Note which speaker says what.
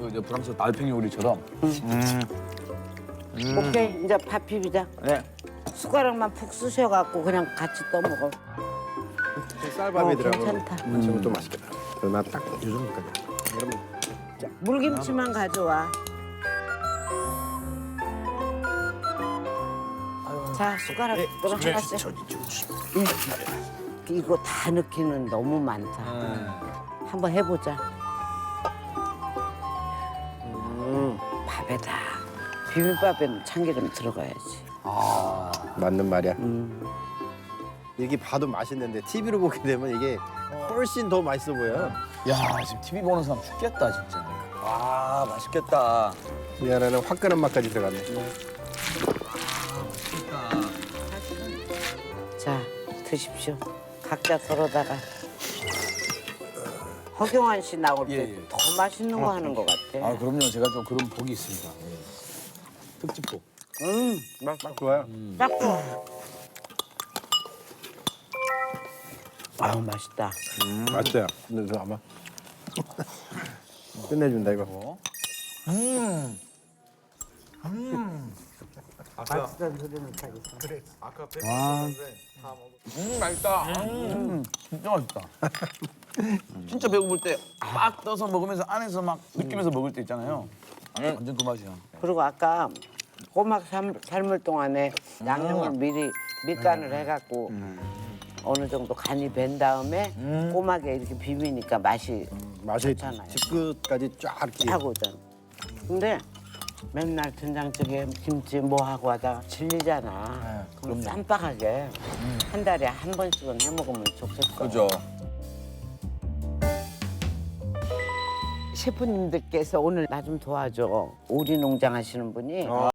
Speaker 1: 그 이제 프랑스 알팽 요리처럼.
Speaker 2: 오케이, 이제 밥 비비자.
Speaker 1: 네.
Speaker 2: 숟가락만 푹 쑤셔갖고 그냥 같이 떠먹어.
Speaker 3: 쌀밥이더라고.
Speaker 2: 괜찮다.
Speaker 3: 지금 또 맛있겠다. 그럼 나딱 요정도까지. 그러면
Speaker 2: 물김치만 가져와. 자, 숟가락 또 하나씩. 이거 다 넣기는 너무 많다. 한번 해보자. 밥에다. 비빔밥에는 참기름 들어가야지.
Speaker 3: 맞는 말이야. 이게 봐도 맛있는데 TV로 보게 되면 이게 훨씬 더 맛있어 보여.
Speaker 1: 야, 지금 TV 보는 사람 죽겠다, 진짜. 와, 맛있겠다.
Speaker 3: 이 안에는 화끈한 맛까지 들어갔네.
Speaker 2: 자, 드십시오. 각자 덜어다가. 허경환 씨 나올 때
Speaker 1: 예, 예.
Speaker 2: 더 맛있는 거 하는 것 같아.
Speaker 1: 아, 그럼요. 제가 좀 그런 복이 있습니다. 예. 특집복.
Speaker 3: 딱 좋아요.
Speaker 2: 딱 좋아. 아우, 맛있다.
Speaker 3: 맛있어요. 근데 저 아마 끝내준다 이거.
Speaker 2: 맛있다는 소리는 못하겠어.
Speaker 1: 맛있다. 진짜 맛있다. 진짜 배고플 때 막 떠서 먹으면서 안에서 막 느끼면서 먹을 때 있잖아요. 완전 그 맛이야.
Speaker 2: 그리고 아까 꼬막 삶을 동안에 양념을 미리 밑간을 해갖고 어느 정도 간이 밴 다음에 꼬막에 이렇게 비비니까 맛이
Speaker 3: 맛이
Speaker 2: 좋잖아요.
Speaker 3: 집끝까지 쫙 이렇게.
Speaker 2: 하고 있잖아. 근데 맨날 된장찌개 김치 뭐 하고 하다가 질리잖아. 그럼 쌈박하게 한 달에 한 번씩은 해 먹으면 좋겠어.
Speaker 1: 그죠.
Speaker 2: 셰프님들께서 오늘 나 좀 도와줘. 오리 농장 하시는 분이